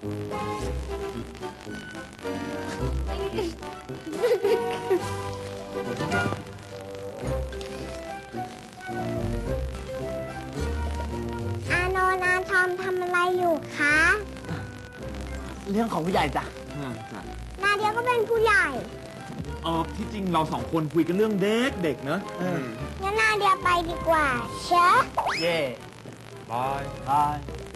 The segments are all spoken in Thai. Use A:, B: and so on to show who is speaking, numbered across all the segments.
A: อาโนนาทอมทำอะไรอยู่คะ
B: เรื่องของผู้ใหญ่จ้ะ
A: นาเดียก็เป็นผู้ใหญ่
C: ที่จริงเราสองคนคุยกันเรื่องเด็กๆเนอะ
A: งั้นนาเดียไปดีกว่าเชฟ
B: เย่
C: บาย
B: บาย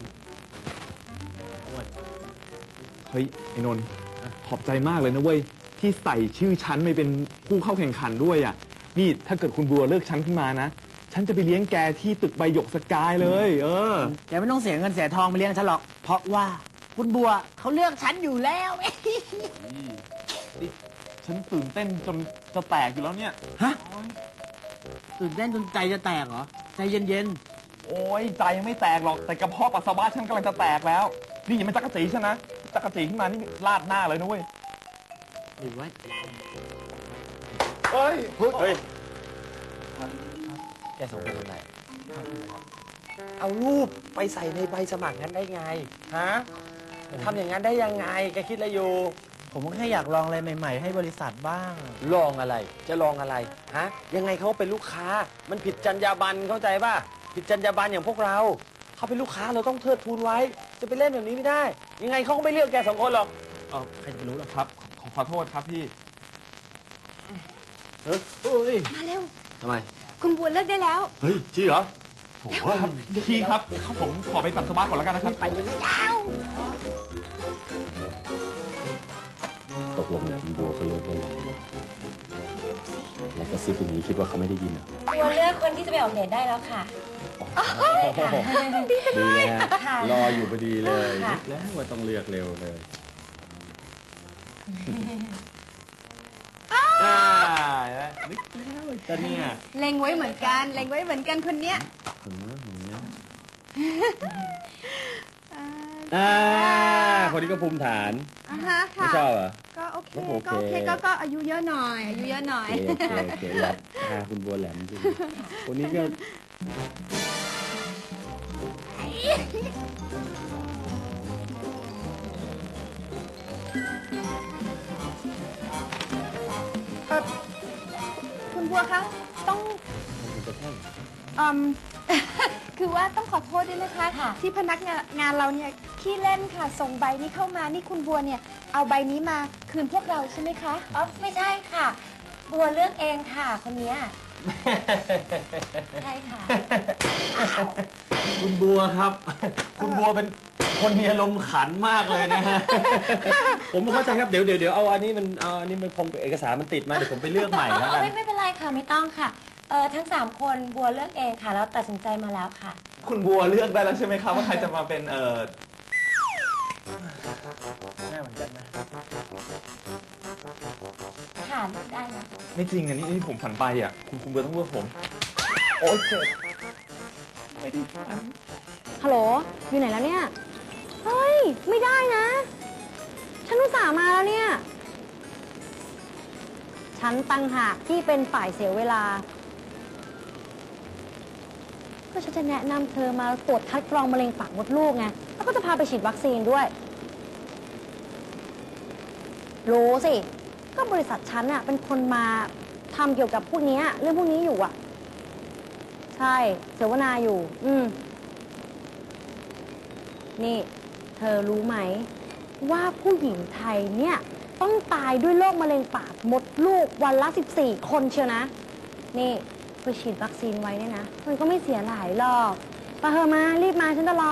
C: เฮ้ยไอ้นนท์ขอบใจมากเลยนะเว้ยที่ใส่ชื่อฉันไปเป็นผู้เข้าแข่งขันด้วยอ่ะนี่ถ้าเกิดคุณบัวเลิกฉันขึ้นมานะฉันจะไปเลี้ยงแกที่ตึกใบหยกสกายเลย
B: แกไม่ต้องเสียเงินเสียทองไปเลี้ยงฉันหรอกเพราะว่าคุณบัวเขาเลือกฉันอยู่แล้ว
C: ฉันตื่นเต้นจนจะแตกอยู่แล้วเนี่ย
B: ฮะตื่นเต้นจนใจจะแตกเหรอใจเย็น
C: โอ้ยใจยังไม่แตกหรอกแต่กระเพาะปัสสาวะฉันกำลังจะแตกแล้วนี่อย่ามาจักรจีฉันนะจักรจีขึ้นมานี่ลาดหน้าเลยนะเว้ย
B: ๆดูไว้
C: เฮ้ย
D: แกสองคนเป็นไรเอารูปไปใส่ในใบสมัครงั้นได้ไง ฮะทำอย่างนั้นได้ยังไง แกคิดอะไรอยู่
B: ผมก็แค่อยากลองอะไรใหม่ๆให้บริษัทบ้าง
D: ลองอะไร จะลองอะไร ฮะ ยังไงเขาเป็นลูกค้า มันผิดจรรยาบรรณเข้าใจป่ะ ผิดจรรยาบรรณอย่างพวกเรา เขาเป็นลูกค้าเราต้องเทิดทูนไว้ จะไปเล่นแบบนี้ไม่ได้ ยังไงเขาก็ไม่เลือกแกสองคนหรอก
B: ใครจะไปรู้หรอ
C: ครับขอโทษครับพี่
A: มาเร็ว
D: ทำไม
A: คุณบัวเลิกได้แล้ว
D: เฮ้ยจริงเหรอ
C: โอ้ครับพี่ครับผมขอไปปัสสาวะก่อนแล้วกันนะครับ
D: ไปเลย
E: ตกลงคุณบัวเขาเลิกได้ไงแล้วก็ซิปอย่างนี้คิดว่าเขาไม่ได้ยินเหรอ
F: บัวเลือกคนที่จะไปออกเดทได้แล้วค่ะ
E: ดีเลยฮะ
F: ค่ะ
E: รออยู่พอดีเลย
F: ค่ะ
E: นึกแล้วว่าต้องเลือกเร็วเลย
C: นึกแล้วจะเนี่ย
F: เล็งไว้เหมือนกัน เล็งไว้เหมือนกันคนเนี้ย
E: คนนี้ก็ภูมิฐาน
F: อ่าฮะ
E: ไม่
F: ค่ะ
E: ชอบเหรอ
F: ก็โอเค
E: โอเค
F: ก็โอเคก็อายุเยอะหน่อย อายุเยอะหน่อย
E: โอเคโอเคแหลมคุณบัวแหลมจริงคนนี้ก็
F: คุณบัวคะต้อง คือว่าต้องขอโทษด้วยนะคะ ที่พนักงานเราเนี่ยขี้เล่นค่ะ ส่งใบนี้เข้ามานี่คุณบัวเนี่ยเอาใบนี้มาคืนพวกเราใช่ไหมคะอ๋อไม่ใช่ค่ะ บัวเลือกเองค่ะ คนนี้ใช่ค่ะ
D: คุณบัวครับ คุณบัวเป็นคนมีอารมณ์ขันมากเลยนะฮะ ผมเข้าใจครับเดี๋ยวเอาอันนี้มันคงเอกสารมันติดมาเดี๋ยวผมไปเลือกใหม่แล้วกัน
F: ไม่เป็นไรค่ะไม่ต้องค่ะทั้ง3คนบัวเลือกเองค่ะแล้วตัดสินใจมาแล้วค่ะ
C: คุณบัวเลือกได้แล้วใช่ไหมครับว่าใครจะมาเป็น
B: แม่เหมือนกันนะ
F: ค่ะเลือกได้นะ
C: ไม่จริงอ่ะนี่ผมฝันไปอ่ะคุณบัวต้องเลือกผมโอ๊ยเจ็บไม่ได้ฝัน
G: ฮัลโหล อยู่ไหนแล้วเนี่ย เฮ้ย ไม่ได้นะ ฉันอุตส่าห์มาแล้วเนี่ย ฉันตั้งหากที่เป็นฝ่ายเสียเวลา ก็ฉันจะแนะนำเธอมาตรวจคัดกรองมะเร็งปากมดลูกไง แล้วก็จะพาไปฉีดวัคซีนด้วย รู้สิ ก็บริษัทฉันอะเป็นคนมาทำเกี่ยวกับพวกนี้เรื่องพวกนี้อยู่อะใช่ เสวนาอยู่ นี่ เธอรู้ไหม ว่าผู้หญิงไทยเนี่ย ต้องตายด้วยโรคมะเร็งปากมดลูกวันละ14 คนเชียวนะ นี่ไปฉีดวัคซีนไว้เนี่ยนะ มันก็ไม่เสียหลายหรอกไปเถอะมา รีบมาฉันจะรอ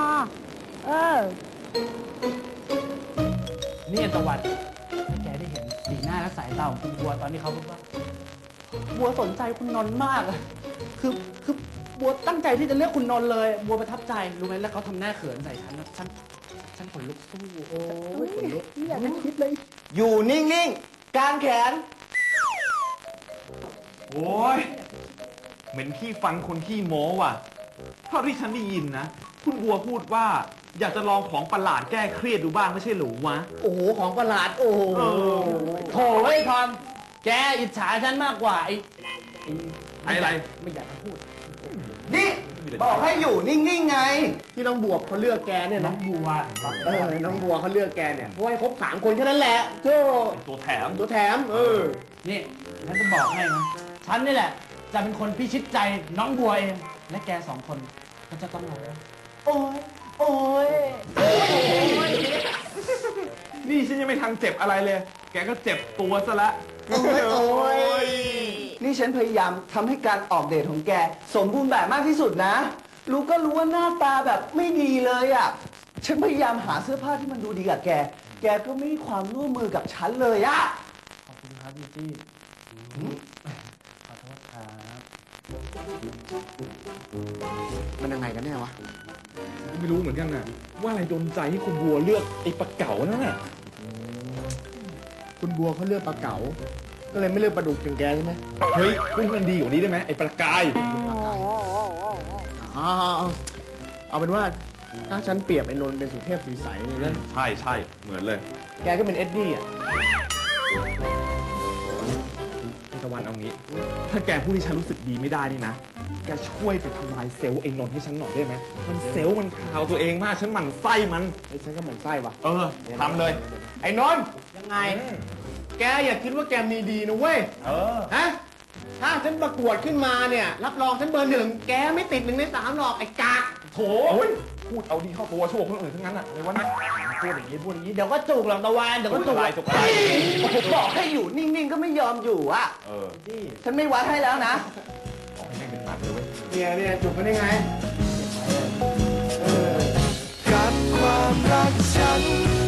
B: นี่ตะวันแกได้เห็นสีหน้าและสายตาของคุณบัวตอนที่เขาพูดว่าบัวสนใจคุณนนท์มากอะคือบัวตั้งใจที่จะเลือกคุณนนท์เลย บัวประทับใจรู้ไหมแล้วเขาทำหน้าเขินใส่ฉันนะฉันขนลุกสู้โอ้ยขนลุกอยากไม่คิดเลย
D: อยู่นิ่งๆกางแขน
C: โอ้ยเหม็นขี้ฟันคนขี้โม้ว่ะเท่าที่ฉันได้ยินนะคุณบัวพูดว่าอยากจะลองของประหลาดแก้เครียดดูบ้างไม่ใช่หรือวะ
B: โอ้โหของประหลาดโอ้โหโถ่เฮ้ยทอมแกอิจฉาฉันมากกว่าไอ้
C: อะไร
B: ไม่อยากจะพูด
D: นี่
H: บอกให้อยู่นิ่งๆไง ที่น้องบัวเขาเลือกแกเนี่ย
B: น้อ
H: นะ
B: งบัว
H: น้องบัวเขาเลือกแกเนี่ยเพราะให้ครบ3 คนแค่นั้นแหละโจ้
C: ตัวแถม
H: ตัวแถม
B: นี่ฉันจะบอกให้นะฉันนี่แหละ จะเป็นคนพิชิตใจน้องบัวเอง และแก2 คนก็จะต้องร้องโอ้ยโอ้ย
C: นี่ฉันยังไม่ทันเจ็บอะไรเลย แกก็เจ็บตัวซะละ
H: โอ้ยนี่ฉันพยายามทำให้การออกเดทของแก สมบูรณ์แบบมากที่สุดนะ รู้ก็รู้ว่าหน้าตาแบบไม่ดีเลยอ่ะ ฉันพยายามหาเสื้อผ้าที่มันดูดีกับแก แกก็ไม่ให้ความร่วมมือกับฉันเลยอ่ะ
B: ขอบคุณครับพี่จี้ขอโทษครับ
H: มันยังไงกันแน่วะ
C: ไม่รู้เหมือนกันน่ะ ว่าอะไรโดนใจให้คุณบัวเลือกไอ้ปลาเก๋านั่นน่ะ
H: คุณบัวเขาเลือกปลาเก๋า ก็เลยไม่เลือกปลาดุกอย่างแกใช่ไหม
C: เฮ้ยพูดมันดีกว่านี้ได้ไหมไอ้ปลากาย
H: เอาเป็นว่าถ้าฉันเปรียบไอ้นนท์เป็นสุเทพสีใสเนี่ยนะ
C: ใช่ใช่เหมือนเลย
H: แกก็เป็นเอ็ดดี้อ่ะ
C: ไอ้ตะวันเอางี้ ถ้าแกพูดที่ฉันรู้สึกดีไม่ได้นี่นะ แกช่วยไปทำลายเซลล์ไอ้นนท์ให้ฉันหน่อยได้ไหม มันเซลล์มันข่าวตัวเองมาก ฉันหมั่นไส้มัน
H: ไอ้ฉันก็เหมือนไส้ว่ะ
C: ทำเลย
H: ไอ้นนท์ยังไง แกอย่าคิดว่าแกมีดีนะเว้ย ฮะ ถ้าฉันประกวดขึ้นมาเนี่ย รับรองฉันเบอร์ 1 แกไม่ติด1 ใน 3หรอกไอ้กาก
C: โถพูดเอาดีเข้าตัวชั่วคนอื่นทั้งนั้นอ่ะอะไรวะเนี่ย
H: พูดอย่างนี้เดี๋ยวก็จุกหลังตะวันเดี๋ยวก็จุก
C: จุกอะไร
H: ผมบอกให้อยู่นิ่งๆก็ไม่ยอมอยู่อ่ะฉันไม่วัดให้แล้วนะ
C: บอกให้แม่งเป็นหมันเลยเว้ย
H: เนี่ยจุกมันได้ไง
I: กับความรักฉัน